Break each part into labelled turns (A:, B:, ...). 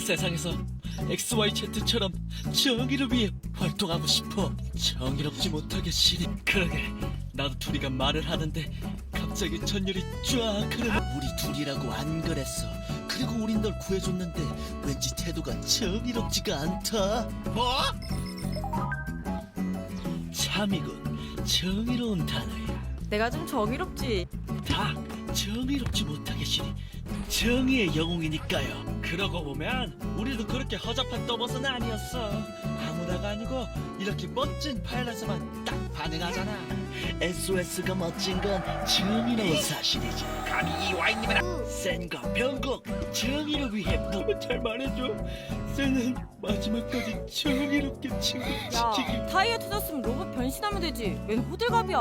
A: 세상에서 XYZ처럼 정의를 위해 활동하고 싶어. 정의롭지 못하게 시리. 그러게 나도 둘이가 말을 하는데 갑자기 전율이 쫙 흐르는. 우리 둘이라고 안 그랬어. 그리고 우린 널 구해줬는데 왠지 태도가 정의롭지가 않다. 뭐? 참이군. 정의로운 단어야.
B: 내가 좀 정의롭지.
A: 다 정의롭지 못하게 시리. 정의의 영웅이니까요. 그러고 보면 우리도 그렇게 허접한 떠벗은 아니었어. 아무나가 아니고 이렇게 멋진 파일럿에만 딱 반응하잖아. SOS가 멋진 건 정의로운 사실이지. 감히 이 와인님이랑 센과 변곡 정의를 위해 너무 잘 말해줘. 센은 마지막까지 정의롭게 친구
B: 야,
A: 지키기.
B: 타이어 터졌으면 로봇 변신하면 되지. 웬 호들갑이야.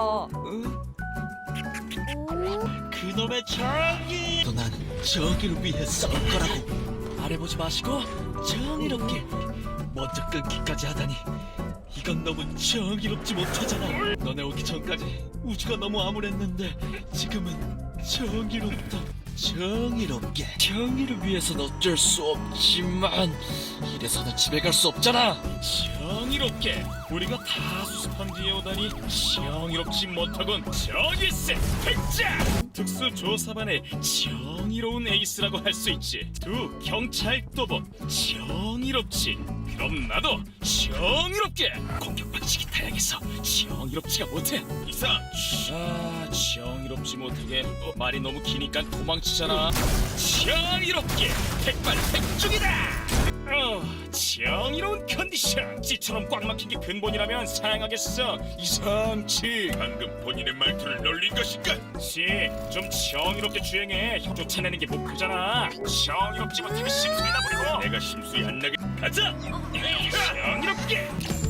A: 그놈의 정의. 난 정의를 위해 싸울 거라고. 말해보지 마시고 정의롭게 먼저 끊기까지 하다니. 이건 너무 정의롭지 못하잖아. 너네 오기 전까지 우주가 너무 암울했는데 지금은 정의롭다. 정의롭게. 정의를 위해서는 어쩔 수 없지만 이래서는 집에 갈 수 없잖아.
C: 정의롭게 우리가 다 수습한 뒤에 오다니 정의롭지 못하군. 정의세 백장 특수조사반의 정의로운 에이스라고 할 수 있지. 두 경찰 또봇 정의롭지. 그럼 나도 정의롭게. 공격 방식이 다양해서 정의롭지가 못해. 이사. 정의롭지 못하게. 말이 너무 기니까 도망치잖아. 정의롭게 백발백중이다. 정의로운 컨디션. 찌처럼 꽉 막힌 게 근본이라면 사양하겠어. 이상치. 방금 본인의 말투를 놀린 것인가? 좀 정의롭게 주행해. 형 쫓아내는 게 목표잖아. 정의롭지 못하게 심술이 나버리고 내가 심술이 안 나게 가자. 정의롭게.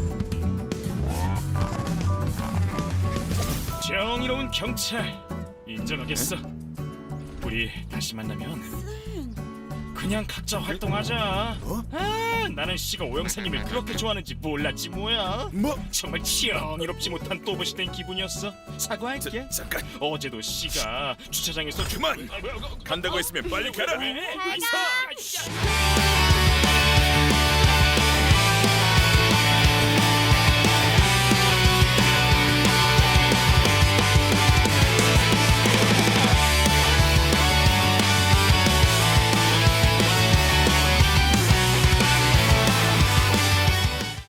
C: 정의로운 경찰 인정하겠어. 우리 다시 만나면 그냥 각자 활동하자. 나는 씨가 오영사님을 그렇게 좋아하는지 몰랐지 뭐야.
D: 뭐?
C: 정말 정의롭지 못한 또봇이 된 기분이었어. 사과할게.
D: 잠깐
C: 어제도 씨가 주차장에서
D: 그만! 간다고 했으면 빨리 가라.
C: 왜? 이사!